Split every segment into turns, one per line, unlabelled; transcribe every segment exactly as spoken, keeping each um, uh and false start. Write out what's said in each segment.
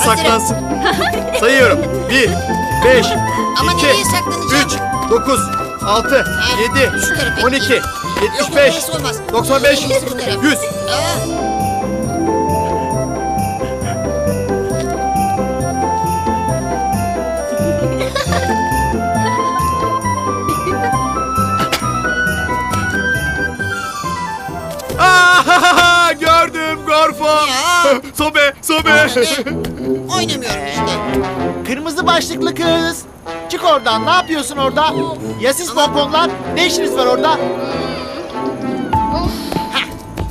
saklansın. Sayıyorum. Bir, beş,
Ama
iki,
nereye saklanacağım?
üç, dokuz, altı, yedi,
şu tarafa.
on iki, yetmiş
Yok,
beş,
orası olmaz.
doksan beş,
En iyisi bu taraf.
yüz.
Aa,
Aa, gördüm Gorfo.
Ya.
Sobe, sobe.
ne? Oynamıyorum işte.
Kırmızı başlıklı kız. Çık oradan. Ne yapıyorsun orada? Ya siz pomponlar? Ne işiniz var orada? Hah.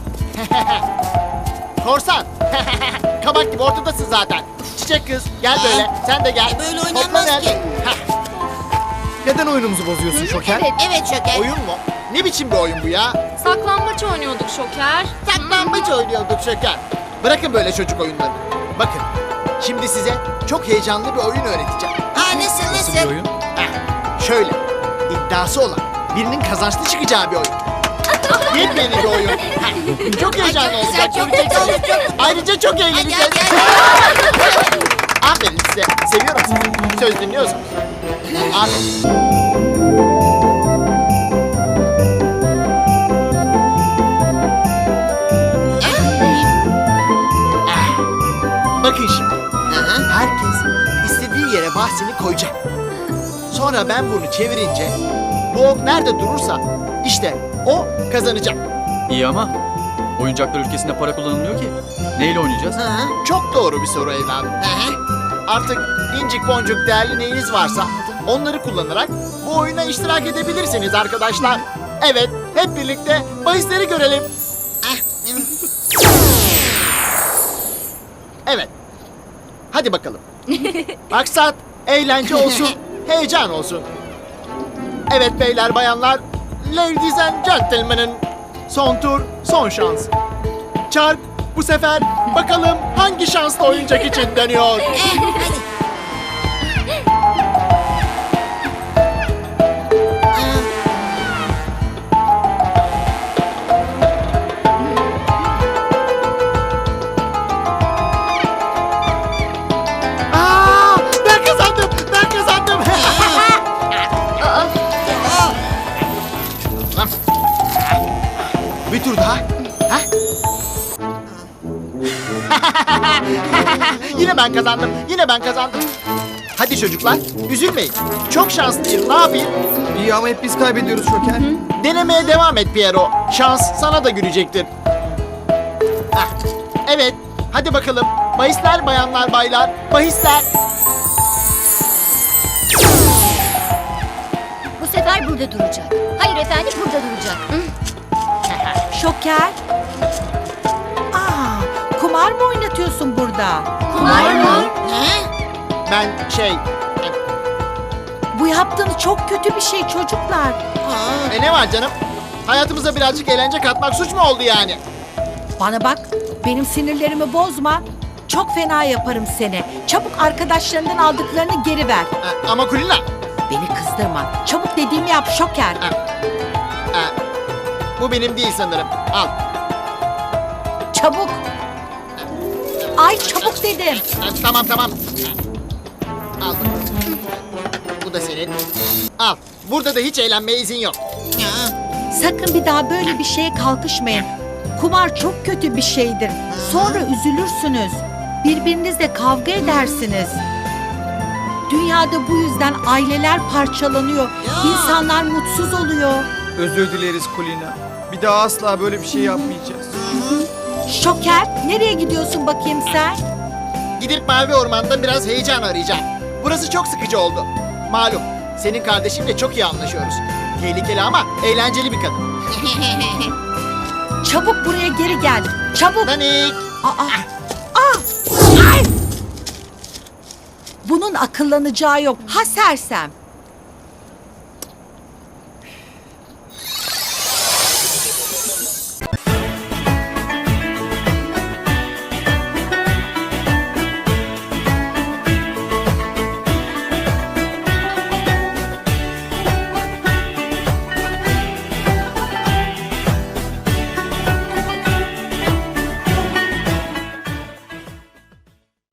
Korsan. Kabak gibi ortadasın zaten. Çiçek kız. Gel böyle. Sen de gel.
E, böyle
Topla
oynanmaz
gel.
ki.
Hah.
Neden oyunumuzu bozuyorsun Şoker?
Evet,
Evet Şoker.
Oyun mu? Ne biçim bir oyun bu ya?
saklambaç oynuyorduk Şoker.
Saklambaç oynuyorduk Şoker. Bırakın böyle çocuk oyunlarını. Bakın. Şimdi size çok heyecanlı bir oyun öğreteceğim.
Aa, nasıl
Nasıl bir
nasıl?
oyun?
Heh, şöyle, iddiası olan, birinin kazançlı çıkacağı bir oyun. Yepyeni bir oyun. Heh, çok heyecanlı
Ay, çok
olacak,
güzel, çok
göreceksiniz.
güzel, çok-
Ayrıca çok
Hadi
eğleneceğiz.
hadi hadi.
Aferin size, seviyorum sizi. Söz dinliyorsunuz. Aferin. Ah, bakın şimdi.
Aha.
Herkes istediği yere bahsini koyacak. Sonra ben bunu çevirince bu ok nerede durursa işte o kazanacak.
İyi ama oyuncaklar ülkesinde para kullanılmıyor ki. Neyle oynayacağız?
Aha.
Çok doğru bir soru evladım.
Aha.
Artık incik boncuk değerli neyiniz varsa onları kullanarak bu oyuna iştirak edebilirsiniz arkadaşlar. Evet, hep birlikte bahisleri görelim.
Ah, hmm.
Evet. Hadi bakalım. Maksat eğlence olsun, heyecan olsun. Evet beyler bayanlar, ladies and gentlemen'ın son tur, son şans. Çark bu sefer bakalım hangi şanslı oyuncak için dönüyor.
Eh, hadi.
Aa, ben kazandım, ben kazandım.
Aa,
Bir tur daha. Ha? Yine ben kazandım. Yine ben kazandım. Hadi çocuklar, üzülmeyin. Çok şanslıyım. Ne yapayım?
İyi ama hep biz kaybediyoruz Şoker.
Denemeye devam et Piero. Şans sana da gülecektir. Ah, evet. Hadi bakalım. Bahisler bayanlar baylar. Bahisler.
Bu sefer burada duracak. Hayır efendim burada duracak.
Şoker. Aa, kumar mı oynatıyorsun burada?
Kumar mı?
ha?
Ben şey...
Bu yaptığınız çok kötü bir şey çocuklar.
Aa,
E ne var canım? Hayatımıza birazcık eğlence katmak suç mu oldu yani?
Bana bak, benim sinirlerimi bozma. Çok fena yaparım seni. Çabuk arkadaşlarından aldıklarını geri ver.
Ha, ama Kulina...
Beni kızdırma. Çabuk dediğimi yap Şoker.
ha, bu benim değil sanırım. Al.
Çabuk. Ay çabuk dedim.
Ha, tamam tamam. Al bakalım. Bu da senin. Al. Burada da hiç eğlenmeye izin yok.
ya.
Sakın bir daha böyle bir şeye kalkışmayın. Kumar çok kötü bir şeydir. Sonra üzülürsünüz. Birbirinizle kavga edersiniz. Dünyada bu yüzden aileler parçalanıyor.
Ya.
İnsanlar mutsuz oluyor.
Özür dileriz Kulina. Bir daha asla böyle bir şey yapmayacağız.
Şoker, nereye gidiyorsun bakayım sen?
Gidip Mavi Orman'da biraz heyecan arayacağım. Burası çok sıkıcı oldu. Malum, senin kardeşimle çok iyi anlaşıyoruz. Tehlikeli ama eğlenceli bir kadın.
Çabuk buraya geri gel. Çabuk.
Nanik!
Aa, aa, ay! Bunun akıllanacağı yok. Ha sersem.